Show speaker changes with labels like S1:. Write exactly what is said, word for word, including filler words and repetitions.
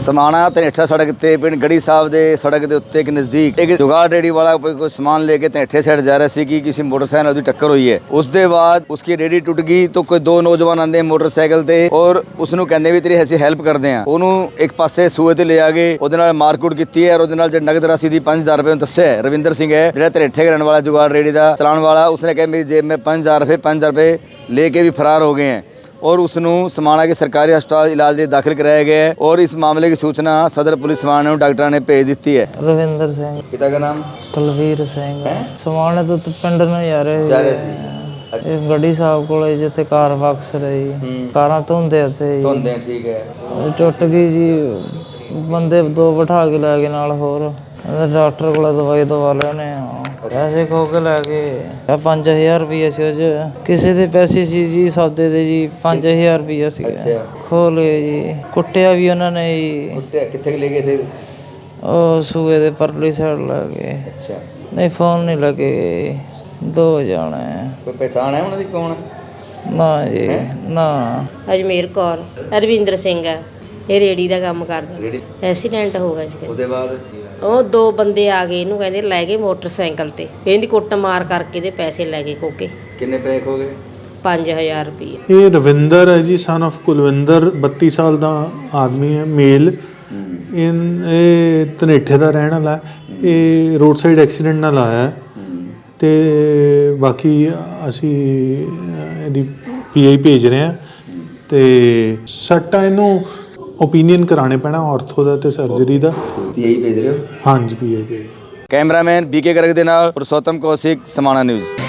S1: समाणा धनेठा सड़क ते पिंड गढ़ी साहब दे सड़क के उत्ते एक नज़दीक एक जुगाड़ रेडी वाला कोई समान लेके धनेठे साइड जा रहा सी कि किसी मोटरसाइकिल उसकी टक्कर हुई है। उसके बाद उसकी रेडी टुट गई तो कोई दो नौजवान आते मोटरसाइकिल ते और उसनों कहते भी तेरी ऐसी हेल्प करते हैं। उन्होंने एक पासे सूए ते ले आ गए, ਉਹਦੇ ਨਾਲ ਮਾਰਕੁੱਟ ਕੀਤੀ है और ਉਹਦੇ ਨਾਲ जो नगद राशि दी पाँच हज़ार रुपये दस्या है। रविंदर सिंह है जो धनेठे के रहने वाला जुगाड़ रेडी का चलाने वाला, उसने कहा मेरी जेब में पाँच हज़ार रुपये पाँच हज़ार रुपये लेके भी फरार हो गए हैं और उसनों समाणा के सरकारी अस्पताल इलाज लिए दाखिल कराया गया है। और इस मामले की सूचना सदर पुलिस समाणा को डॉक्टर ने भेज दी है।
S2: रविंदर सिंह
S1: पिता का नाम
S2: कुलवीर सिंह समाणे तो पिंड ਨੂੰ ਜਾ ਰਹੇ
S1: ਜਾ ਰਹੇ ਸੀ
S2: ਇਹ ਗੜੀ ਸਾਹਿਬ ਕੋਲੇ ਜਿੱਥੇ ਕਾਰ ਵਾਕਸ ਰਹੀ ਕਾਰਾਂ ਧੋਂਦੇ ਉੱਥੇ
S1: ਧੋਂਦੇ ਠੀਕ ਹੈ
S2: ਟੁੱਟ ਗਈ ਜੀ। ਬੰਦੇ ਦੋ ਬਿਠਾ ਕੇ ਲੈ ਗਏ ਨਾਲ ਹੋਰ ਡਾਕਟਰ ਕੋਲ ਦਵਾਈ ਦਵਾ ਲੈਣੇ ਪੈਸੇ ਖੋ ਕੇ ਲੈ ਗਏ ਪੰਜ ਹਜ਼ਾਰ ਰੁਪਈਆ ਸੀ ਉਹ 'ਚ ਕਿਸੇ ਦੇ ਪੈਸੇ ਸੀ ਜੀ ਸੌਦੇ ਦੇ ਜੀ ਪੰਜ ਹਜ਼ਾਰ ਰੁਪਈਆ ਸੀ ਖੋ ਲਏ ਜੀ। ਕੁੱਟਿਆ ਵੀ ਉਹਨਾਂ ਨੇ ਜੀ।
S1: ਕੁੱਟਿਆ ਕਿੱਥੇ ਲੈ ਗਏ ਥੇ?
S2: ਉਹ ਸੂਏ ਦੇ ਪਰਲੀ ਸਾਈਡ ਲੈ ਗਏ।
S1: ਅੱਛਾ
S2: ਨਹੀਂ ਫੋਨ ਨਹੀਂ ਲੱਗੇ ਦੋ ਜਾਣੇ।
S1: ਕੋਈ ਪਹਿਚਾਣ ਹੈ ਉਹਨਾਂ ਦੀ ਕੌਣ?
S2: ਨਾ ਜੀ ਨਾ।
S3: ਅਜਮੇਰ ਕੌਰ ਰਵਿੰਦਰ ਸਿੰਘ ਹੈ, ਇਹ ਰੇੜੀ ਦਾ ਕੰਮ ਕਰਦਾ। ਐਕਸੀਡੈਂਟ ਹੋ ਗਿਆ ਸੀ।
S1: ਉਹਦੇ ਬਾਅਦ
S3: ਉਹ ਦੋ ਬੰਦੇ ਆ ਗਏ, ਇਹਨੂੰ ਕਹਿੰਦੇ ਲੈ ਗਏ ਮੋਟਰਸਾਈਕਲ ਤੇ, ਇਹਦੀ ਕੁੱਟ ਮਾਰ ਕਰਕੇ ਇਹਦੇ ਪੈਸੇ ਲੈ ਗਏ ਖੋ ਕੇ।
S1: ਕਿੰਨੇ ਪੈਸੇ ਖੋ ਗਏ? ਪੰਜ ਹਜ਼ਾਰ
S3: ਰੁਪਏ।
S4: ਇਹ ਰਵਿੰਦਰ ਹੈ ਜੀ, ਸਨ ਆਫ ਕੁਲਵਿੰਦਰ, ਬੱਤੀ ਸਾਲ ਦਾ ਆਦਮੀ ਹੈ, ਮੇਲ। ਇਹ ਧਨੇਠੇ ਦਾ ਰਹਿਣ ਵਾਲਾ। ਇਹ ਰੋਡ ਸਾਈਡ ਐਕਸੀਡੈਂਟ ਨਾਲ ਆਇਆ ਅਤੇ ਬਾਕੀ ਅਸੀਂ ਇਹਦੀ ਪੀ ਆਈ ਭੇਜ ਰਹੇ ਹਾਂ ਅਤੇ ਸੱਟਾਂ ਇਹਨੂੰ ਓਪੀਨੀਅਨ ਕਰਾਣੇ ਪੈਣਾ ਔਰਥੋ ਦਾ ਤੇ ਸਰਜਰੀ ਦਾ।
S1: ਪੀ ਆਈ ਭੇਜ ਰਹੇ ਹੋ?
S4: ਹਾਂਜੀ ਪੀ ਆਈ ਭੇਜ।
S1: ਕੈਮਰਾਮੈਨ ਬੀ ਕੇ ਗਰਗ ਦੇ ਨਾਲ ਪੁਰਸ਼ੋਤਮ ਕੌਸ਼ਿਕ, ਸਮਾਣਾ ਨਿਊਜ਼।